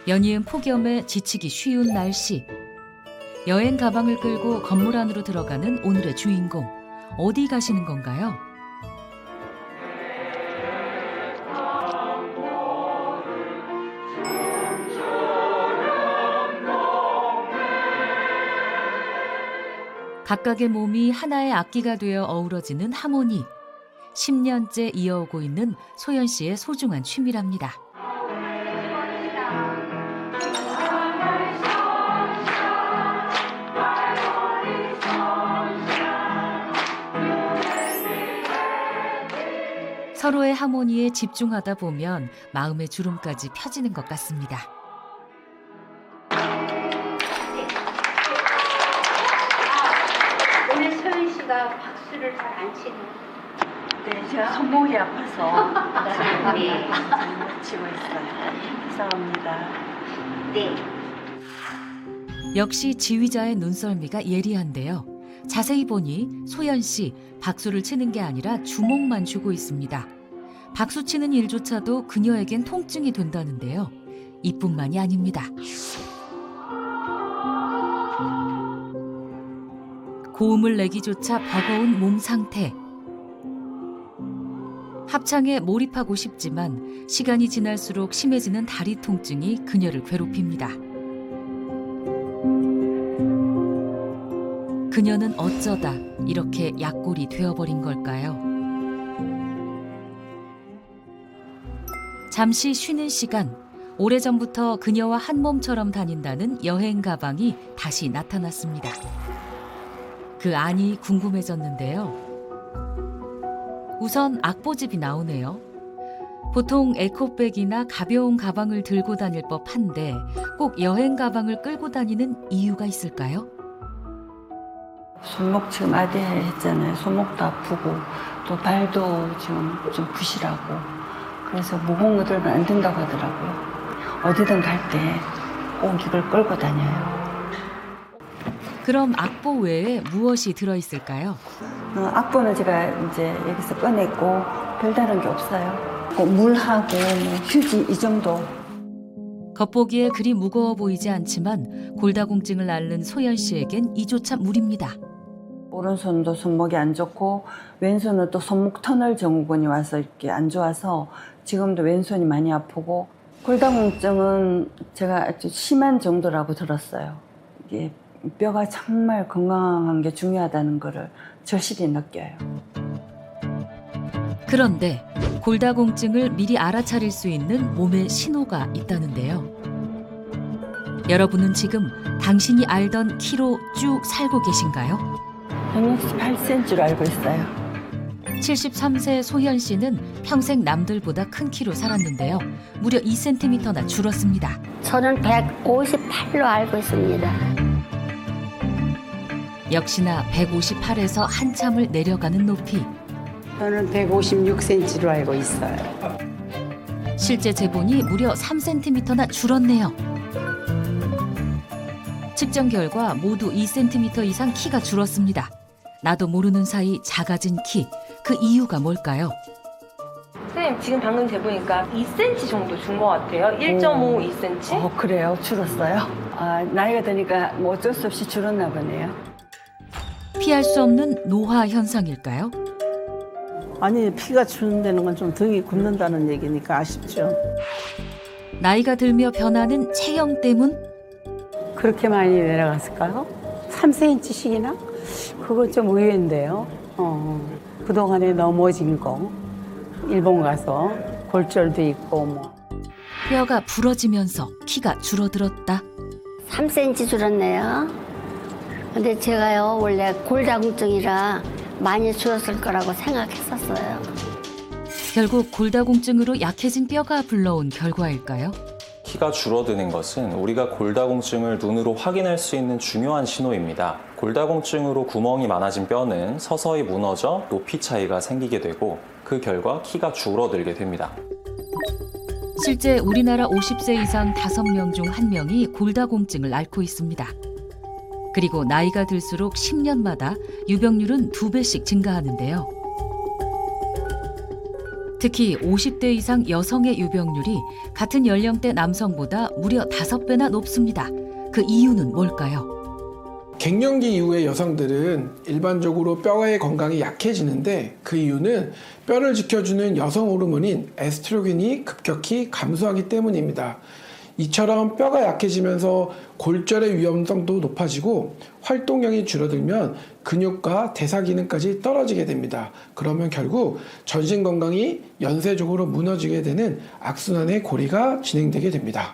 연이은 폭염에 지치기 쉬운 날씨. 여행 가방을 끌고 건물 안으로 들어가는 오늘의 주인공. 어디 가시는 건가요? 각각의 몸이 하나의 악기가 되어 어우러지는 하모니. 10년째 이어오고 있는 소연 씨의 소중한 취미랍니다. 서로의 하모니에 집중하다 보면 마음의 주름까지 펴지는 것 같습니다. 오늘 소연 씨가 박수를 잘 안 치는. 네, 제가 손목이 아파서 네. 치고 있어요. 죄송합니다. 네. 역시 지휘자의 눈썰미가 예리한데요. 자세히 보니 소연 씨 박수를 치는 게 아니라 주먹만 쥐고 있습니다. 박수 치는 일조차도 그녀에겐 통증이 된다는데요. 이뿐만이 아닙니다. 고음을 내기조차 버거운 몸 상태. 합창에 몰입하고 싶지만 시간이 지날수록 심해지는 다리 통증이 그녀를 괴롭힙니다. 그녀는 어쩌다 이렇게 약골이 되어버린 걸까요? 잠시 쉬는 시간, 오래전부터 그녀와 한 몸처럼 다닌다는 여행 가방이 다시 나타났습니다. 그 안이 궁금해졌는데요. 우선 악보집이 나오네요. 보통 에코백이나 가벼운 가방을 들고 다닐 법한데 꼭 여행 가방을 끌고 다니는 이유가 있을까요? 손목 지금 아대했잖아요. 손목도 아프고 또 발도 지금 좀 부실하고 그래서 무거운 거 들면 안 된다고 하더라고요. 어디든 갈 때 꼭 이걸 끌고 다녀요. 그럼 악보 외에 무엇이 들어있을까요? 악보는 제가 이제 여기서 꺼냈고 별다른 게 없어요. 물하고 뭐 휴지 이 정도. 겉보기에 그리 무거워 보이지 않지만 골다공증을 앓는 소연 씨에겐 이조차 무리입니다. 오른손도 손목이 안 좋고 왼손은 또 손목 터널 증후군이 와서 이렇게 안 좋아서 지금도 왼손이 많이 아프고 골다공증은 제가 아주 심한 정도라고 들었어요. 이게 뼈가 정말 건강한 게 중요하다는 거를 절실히 느껴요. 그런데 골다공증을 미리 알아차릴 수 있는 몸의 신호가 있다는데요. 여러분은 지금 당신이 알던 키로 쭉 살고 계신가요? 168cm로 알고 있어요. 73세 소연 씨는 평생 남들보다 큰 키로 살았는데요. 무려 2cm나 줄었습니다. 저는 158로 알고 있습니다. 역시나 158에서 한참을 내려가는 높이. 저는 156cm로 알고 있어요. 실제 재본이 무려 3cm나 줄었네요. 측정 결과 모두 2cm 이상 키가 줄었습니다. 나도 모르는 사이 작아진 키, 그 이유가 뭘까요? 선생님 지금 방금 재보니까 2cm 정도 준 것 같아요. 1.5, 2cm. 그래요? 줄었어요? 나이가 드니까 뭐 어쩔 수 없이 줄었나 보네요. 피할 수 없는 노화 현상일까요? 아니 피가 주는다는 건 좀 등이 굳는다는 얘기니까 아쉽죠. 나이가 들며 변하는 체형 때문? 그렇게 많이 내려갔을까요? 3cm씩이나? 그건 좀 의외인데요. 그동안에 넘어진 거, 일본 가서 골절도 있고 뭐. 뼈가 부러지면서 키가 줄어들었다. 3cm 줄었네요. 근데 제가요 원래 골다공증이라 많이 줄었을 거라고 생각했었어요. 결국 골다공증으로 약해진 뼈가 불러온 결과일까요? 키가 줄어드는 것은 우리가 골다공증을 눈으로 확인할 수 있는 중요한 신호입니다. 골다공증으로 구멍이 많아진 뼈는 서서히 무너져 높이 차이가 생기게 되고 그 결과 키가 줄어들게 됩니다. 실제 우리나라 50세 이상 5명 중 1명이 골다공증을 앓고 있습니다. 그리고 나이가 들수록 10년마다 유병률은 2배씩 증가하는데요. 특히 50대 이상 여성의 유병률이 같은 연령대 남성보다 무려 5배나 높습니다. 그 이유는 뭘까요? 갱년기 이후의 여성들은 일반적으로 뼈의 건강이 약해지는데 그 이유는 뼈를 지켜주는 여성 호르몬인 에스트로겐이 급격히 감소하기 때문입니다. 이처럼 뼈가 약해지면서 골절의 위험성도 높아지고 활동량이 줄어들면 근육과 대사 기능까지 떨어지게 됩니다. 그러면 결국 전신 건강이 연쇄적으로 무너지게 되는 악순환의 고리가 진행되게 됩니다.